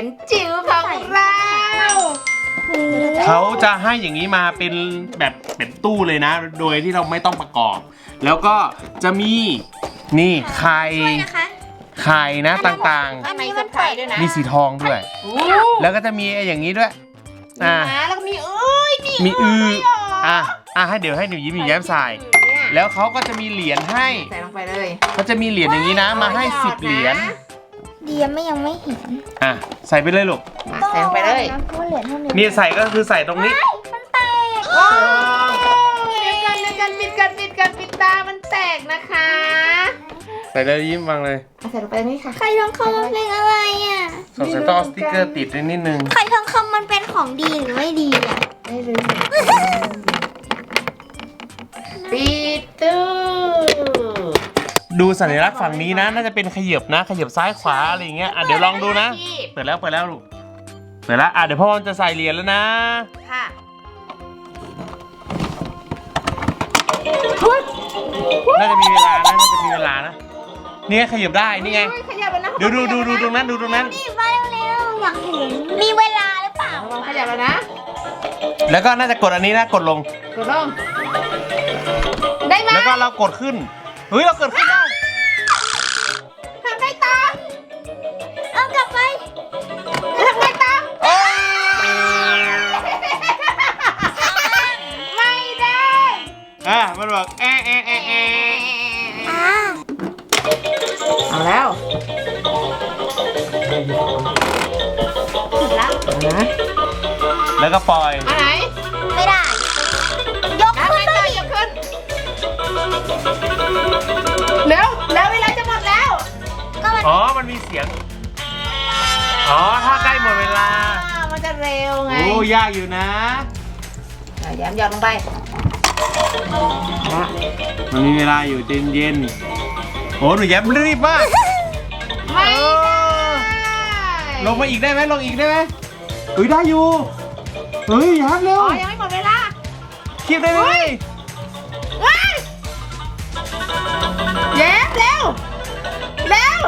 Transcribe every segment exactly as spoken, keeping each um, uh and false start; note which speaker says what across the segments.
Speaker 1: ญจิ๋วของเรา
Speaker 2: เขาจะให้อย่างนี้มาเป็นแบบเป็นตู้เลยนะโดยที่เราไม่ต้องประกอบแล้วก็จะมีนี่ไข่ไข่นะต่าง
Speaker 1: ๆมีมันเปิดด้วยนะ
Speaker 2: ๆมีสีทองด้วยแล้วก็จะมีอย่างนี้ด้วยอ่า
Speaker 1: แล้วก็มีเอ้ย
Speaker 2: มีอืออ่ะอ่ะให้เดี๋ยวให้หนูยิ้มหนูแย้มใส่แล้วเขาก็จะมีเหรียญให้
Speaker 1: ใส่ลงไปเลย
Speaker 2: เขาจะมีเหรียญอย่างนี้นะมาให้สิบเหรียญ
Speaker 3: เดียไม่ยังไม่เห็น
Speaker 2: อ่ะใส่ไปเลยลูก
Speaker 1: ใส่ลงไปเลย
Speaker 2: นี่ใส่ก็คือใส่ตรงนี้
Speaker 3: มันแตก
Speaker 1: โอ้ยกันกันปิดกันปิดกันปิดตามันแตกนะคะ
Speaker 2: ใส่เลยยิ้มวางเลย
Speaker 1: ใส่ลงไปนี่ค่ะ
Speaker 3: ไข่ทองคำมันเป็นอะไรอ่ะ
Speaker 2: สงสัยต้องเอาสติ๊กเกอร์ติดนิดนึง
Speaker 3: ไข่ทองคำมันเป็นของดีหรือไม่ดีอ่ะ
Speaker 1: ไม่รู้ปิดตู้
Speaker 2: ดูสัญลักษณ์ฝั่งนี้นะน่าจะเป็นขยับนะขยับซ้ายขวาอะไรอย่างเงี้ยอ่ะเดี๋ยวลองดูนะเปิดแล้วเปิดแล้วลูกเปิดแล้วอ่ะเดี๋ยวพ่อจะใส่เหรียญแล้วนะ
Speaker 1: ค่ะ
Speaker 2: น่าจะมีเวลานะน่าจะมีเวลานะนี่ขยับได้นี่ไงดูดูดูดูตรงนั้นดูตรงนั้น
Speaker 3: นี่ไปเร็วอยากเห็นมีเวลาหรือเปล่า
Speaker 1: ขยับแล้วนะ
Speaker 2: แล้วก็น่าจะกดอันนี้นะกดลง
Speaker 1: กดลงได้ไหม
Speaker 2: แล้วก็เรากดขึ้นเฮ้ยเรากดขึ้นได้
Speaker 1: ทำไงต่อ
Speaker 3: เอากลับไป
Speaker 1: ทำไงต่อไม่ได้
Speaker 2: อ่ะมันบอกแอะแอะแอะแอะ
Speaker 1: เอาแล้ว
Speaker 3: ผิดแล้ว
Speaker 1: นะ
Speaker 2: แล้วก็ปล่อย
Speaker 1: อันไหน
Speaker 3: ไม่ได้ยกขึ้น
Speaker 1: เลยยกขึ้นเร็วแล้วเวลาจะหมดแล้ว
Speaker 2: อ๋อมันมีเสียงอ๋อถ้าใกล้หมดเวลา
Speaker 1: มันจะเร็วไง
Speaker 2: โอ้ยากอยู่นะ
Speaker 1: ย้ำหยอดลงไป
Speaker 2: มันมีเวลาอยู่เย็นเย็นโอ้หนูแย้มรีบมาก
Speaker 1: ไม่
Speaker 2: ลงมาอีกได้ไหมลงอีกได้ไหมเฮ้ยได้อยู่เฮ้ยแย้มเร็ว
Speaker 1: อ๋อยังไม่หมดเวลา
Speaker 2: คีบได้ไหม
Speaker 1: แย้มเร็วเร็ว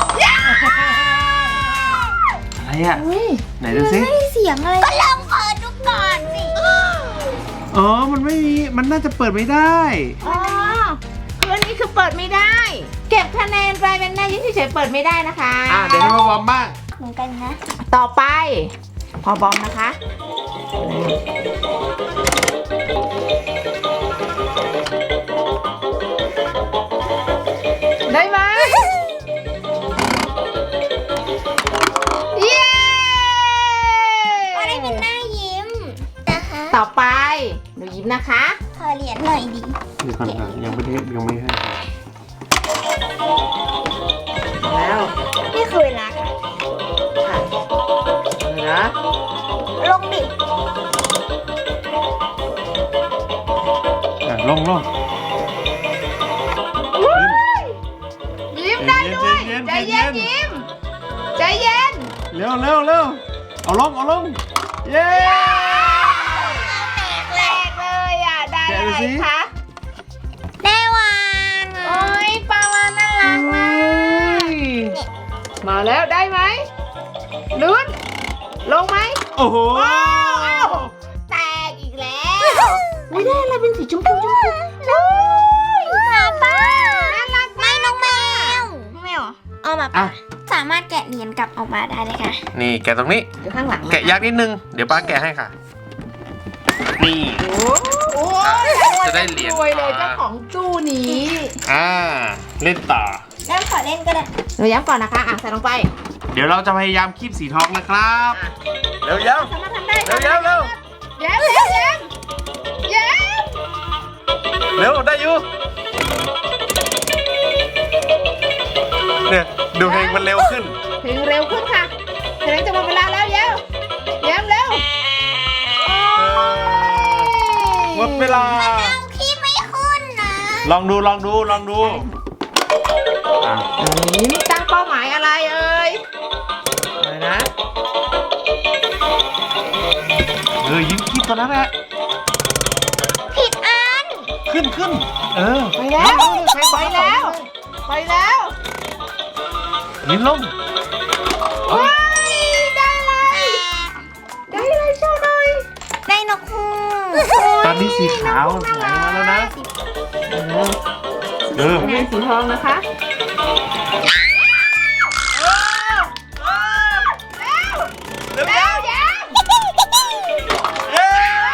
Speaker 2: อะไรอ่ะไหนดูสิ
Speaker 3: ไม่มีเสียงอะไรก็ลองเปิดดูก่อนสิ
Speaker 2: อ๋อมันไม่มีมันน่าจะเปิดไม่ได้
Speaker 1: อ๋อคืออันนี้คือเปิดไม่ได้เก็บคะแนนไปเป็นหน้ายิ้มเฉยๆเปิดไม่ได้นะคะ
Speaker 2: อ่ะเดี๋ยวให้พ่อบอมบ้าง
Speaker 3: เหมือนกันนะ
Speaker 1: ต่อไปพอบอมนะคะได้ไหมเย้
Speaker 3: ก็ได้เป็นหน้ายิ้มนะคะ
Speaker 1: ต่อไปหนูยิ้มนะคะ
Speaker 3: ขอเหรียญหน่อยดิ
Speaker 2: เดี๋ยวก่อนค่ะยังไม่ได้ยังไม่ให้
Speaker 1: แล้ว
Speaker 3: นี่คือเวลาค่ะ
Speaker 1: ค่ะนะ
Speaker 3: ลงดิ
Speaker 2: อ่ะลงลง
Speaker 1: ยิ้มได้ด้วยใจเย็นยิ้มใจเย็น
Speaker 2: เร็วเร็วเร็วเอาลงเอาลงเย้
Speaker 1: แหลกเลยอ่ะได้อะไรคะ
Speaker 3: ได้วาน
Speaker 1: โอ้ยปลาวานน่ารักมากมาแล้วได้ไหมลุ้นลงไหม
Speaker 2: โอ้โห
Speaker 1: แตกอีกแล้วไม่ได้อะไรเป็นสีชมพูชมพู
Speaker 3: หมาป้า
Speaker 1: น่ารัก
Speaker 3: ไม่น้องแมวแมวเอามาป้าสามารถแกะเหรียญกลับออกมาได้เลยค่ะ
Speaker 2: นี่แกะตรงนี้
Speaker 1: อยู่ข้างหลัง
Speaker 2: แกะยากนิดนึงเดี๋ยวป้าแกะให้ค่ะนี่
Speaker 1: โอ้
Speaker 2: จะได้เหรียญ
Speaker 1: รวยเลยเจ้าของตู้นี้
Speaker 2: อ่าเล่นต่อ
Speaker 3: แล้วขอเล่นก็ได้
Speaker 1: หนูย้ำก่อนนะคะอ่ะใส่ลงไป
Speaker 2: เดี๋ยวเราจะพยายามคีบสีทองนะครับเร็วย้ำ
Speaker 1: สามารถทำได้
Speaker 2: เร็วย้ำเร็ว
Speaker 1: ย้ำเร็วย้ำย้
Speaker 2: ำเร็วได้อยู่เนี่ยดูเพลงมันเร็วขึ้น
Speaker 1: เพลงเร็วขึ้นค่ะเพลงจะหมดเวลาแล้วย้ำย้ำเร็ว
Speaker 2: หมดเวลา
Speaker 3: พี่ไม่ขึ้นนะ
Speaker 2: ลองดูลองดูลองดู
Speaker 1: ยิ้มตั้งเป้าหมายอะไรเอ่ยอะไรนะ
Speaker 2: เออยิ้มคิดตอนนั้นแหละ
Speaker 3: ผิดอัน
Speaker 2: ขึ้นขึ้นเออ
Speaker 1: ไปแล้วไปแล้วไปแล้ว
Speaker 2: ลิ้นลม
Speaker 1: ว้ายได้
Speaker 2: นี้สีขาวไหลมาแล้วนะเออ
Speaker 1: อันนี้สีทองนะคะเร็วเร็วเร็ว
Speaker 2: เย้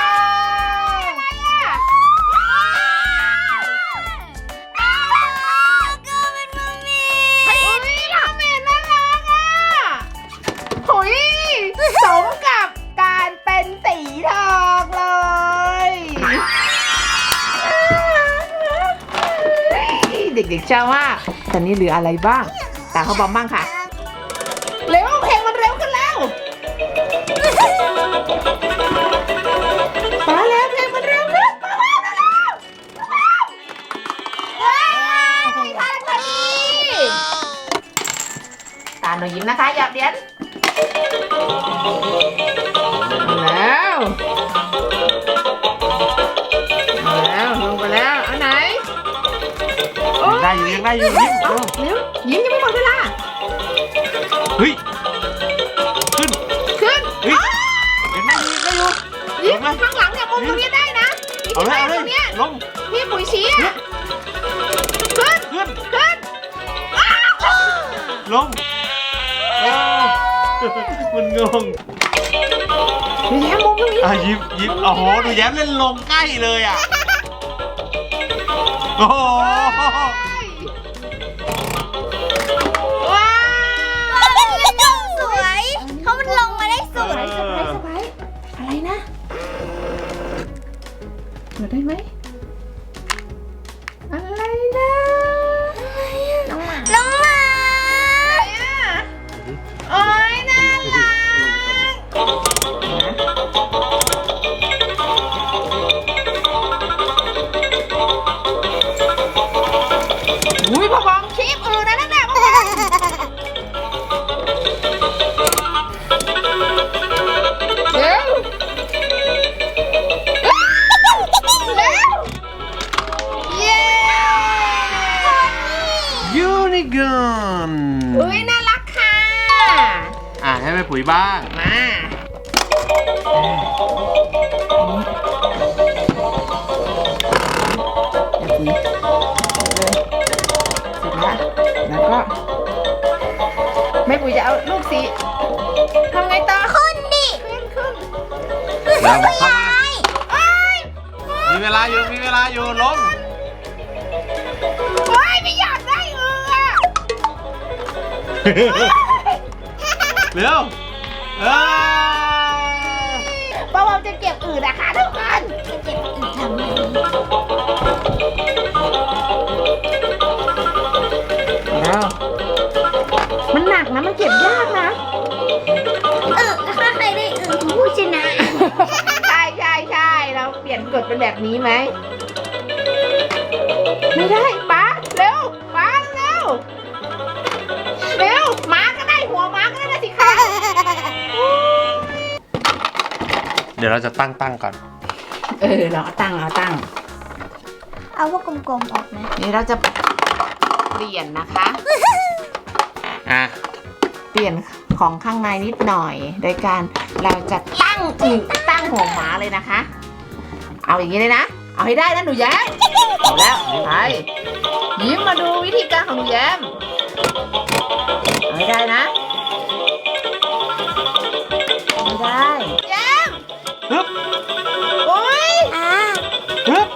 Speaker 1: หุยสมกับการเป็นสีทองเลยเด็กๆเชื่อว่าตอนนี้เหลืออะไรบ้างตาเขาบอมบ้างค่ะเร็วเพลงมันเร็วขึ้นแล้วมาแล้วเพลงมันเร็วขึ้นมาแล้วว้าวทันพอดีตาหนูยิ้มนะคะหยอดเหรียญแล้วมาแล้วลงไปแล้วอันไหน
Speaker 2: ยังได้อยู่ยังได้อยู่ยิ้ม
Speaker 1: เอาเร็วยิ้มยังไม่หมดเวลา
Speaker 2: เฮ้ยขึ้น
Speaker 1: ขึ้น
Speaker 2: เฮ้ยยังได้อยู่ยังได้อยู่
Speaker 1: ยิ้มข้างหลังเนี่ยมุมตรงนี้ได้นะ
Speaker 2: เอาเลยเอา
Speaker 1: ต
Speaker 2: เล
Speaker 1: ร
Speaker 2: ย
Speaker 1: งเนี้ย
Speaker 2: ลง
Speaker 1: พี่ปุ๋ยชี้อะขึ้น
Speaker 2: ขึ้น
Speaker 1: ขึ้น
Speaker 2: ลงเออมันงง
Speaker 1: ดูแย้มมุมตรงนี้
Speaker 2: อ่ะยิ้มยิ้มโอ้โหดูแย้มเล่นลงใกล้เลยอ่ะโอ้โห
Speaker 1: ว้าว
Speaker 3: สวยเพราะมันลงมาได้สุด
Speaker 1: สบายสบายสบายอะไรนะเปิดได้ไหมอะไรนะน้องหมา
Speaker 3: ลงมา
Speaker 1: โอ้ยน่ารักอุ้ยพ่อบอมคลิปอื่นนะนั่นแหละพ่อบอมเร็วเร็วเย้
Speaker 2: ยูนิคอร์น
Speaker 1: อุ้ยน่ารักค่ะ
Speaker 2: อ่ะให้แม่ปุ๋ยบ้าง
Speaker 1: มาแล้วก็แม่ปุ๋ยจะเอาลูกสีทำไงต่อ
Speaker 3: ขึ้นดิ
Speaker 1: ขึ้นขึ้น
Speaker 2: แล้วเข้ามา
Speaker 1: โอ้ย
Speaker 2: มีเวลาอยู่มีเวลาอยู่ลง
Speaker 1: โอ้ยไม่อยากได้เอือ
Speaker 2: เร็วเออ
Speaker 1: ป้าบอมจะเก็บอื่นนะคะทุกคน
Speaker 3: จะเก็บอีกทำไม
Speaker 1: แล้วมันหนักนะมันเก็บยากนะ
Speaker 3: เออถ้าใครได้อื่นผู้ชนะ
Speaker 1: ใช่ใช่ใช่เราเปลี่ยนกฎเป็นแบบนี้ไหมไม่ได้ป้าเร็วป้าเร็วเร็วม้าก็ได้หัวม้าก็ได้นะสิคะ
Speaker 2: เดี๋ยวเราจะตั้งตั้งก่อน
Speaker 1: เออเราตั้งเราตั้ง
Speaker 3: เอาพวกกลมๆออกนะ
Speaker 1: นี่เราจะเปลี่ยนนะคะ
Speaker 2: อ่ะ
Speaker 1: เปลี่ยนของข้างในนิดหน่อย โดยการเราจะตั้งอีกตั้งหัวหมาเลยนะคะ เอาอย่างนี้เลยนะ เอาให้ได้นะหนูแย้มเอาแล้วไปยิ้มมาดูวิธีการของหนูแย้มเอาให้ได้นะเอาให้ได้แย้ม
Speaker 2: ฮึบ
Speaker 1: โอ๊ย
Speaker 3: อ่า
Speaker 2: ฮึบ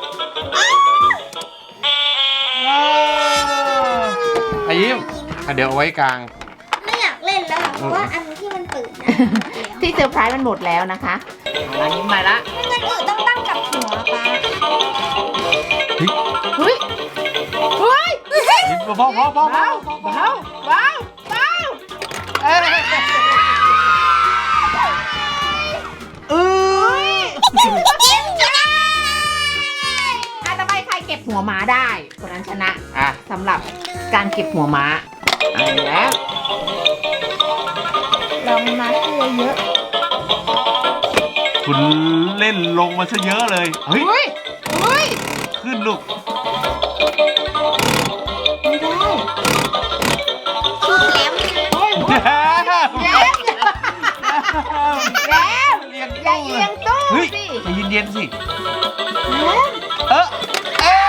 Speaker 2: อายิ้มอ่ะเดี๋ยวเอาไว้กลาง
Speaker 3: ไม่อยากเล่นแล้วอะเพราะว่าอันที่มันตื่นนะ
Speaker 1: ที่เซอร์ไพรส์มันหมดแล้วนะคะเอาละยิ้มมาละ
Speaker 3: เงินอื่นต้องตั้งกับหัวป้า
Speaker 1: เฮ้ยเฮ้ย
Speaker 2: ยิ้มเบาๆเบาๆเบา
Speaker 1: เบาเบาเบาเบาเออ
Speaker 2: เออ
Speaker 3: ยิ้มชนะ
Speaker 1: ถ้าต่อไปใครเก็บหัวม้าได้คนนั้นชนะ
Speaker 2: อ่ะ
Speaker 1: สำหรับการเก็บหัวม้าเอาแล้ว
Speaker 3: ลองมาเยอะเยอะ
Speaker 2: คุณเล่นลงมาซะเยอะเลย เฮ้ย
Speaker 1: เฮ้ยเฮ้ย
Speaker 2: ขึ้นลูก
Speaker 1: ไม่ได้
Speaker 3: ชุดแล้ว
Speaker 1: เฮ้ย
Speaker 2: แย้ม
Speaker 1: แย้มแย้ม
Speaker 2: เรียง
Speaker 1: อย่า
Speaker 2: ตู้
Speaker 1: เอียงตู้
Speaker 2: เฮ้ฮ้ย
Speaker 1: สิ
Speaker 2: ใจเย็นๆสิ
Speaker 1: เอ๊ะ
Speaker 2: เออเอ๊ะ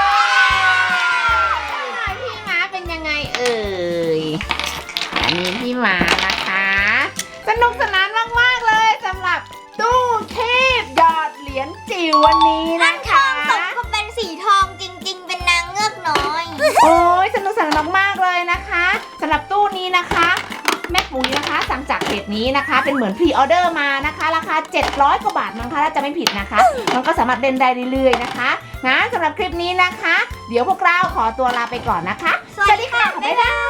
Speaker 1: พี่ม้าเป็นยังไงเอ่ยอันนี้พี่ม้านะคะ สนุกสนานมากๆเลยสำหรับตู้เทพหยอดเหรียญจิ๋ววันนี้
Speaker 3: นั่
Speaker 1: นะ
Speaker 3: นท
Speaker 1: คะ
Speaker 3: องสมก็เป็นสีทองจริง ๆ เป็นนางเงือกน้อย
Speaker 1: โอ้ยสนุกสนานมากๆเลยนะคะสำหรับตู้นี้นะคะ แม่ปุ๋ยนะคะสั่งจากเพจนี้นะคะ เป็นเหมือนพรีออเดอร์มานะคะ ราคาเจ็ดร้อยกว่าบาทมั้งคะถ้าจะไม่ผิดนะคะ มันก็สามารถเล่นได้เรื่อยๆนะคะนะสำหรับคลิปนี้นะคะ เดี๋ยวพวกเราขอตัวลาไปก่อนนะคะ
Speaker 3: สวัสดีค่ะ
Speaker 1: บ๊ายบาย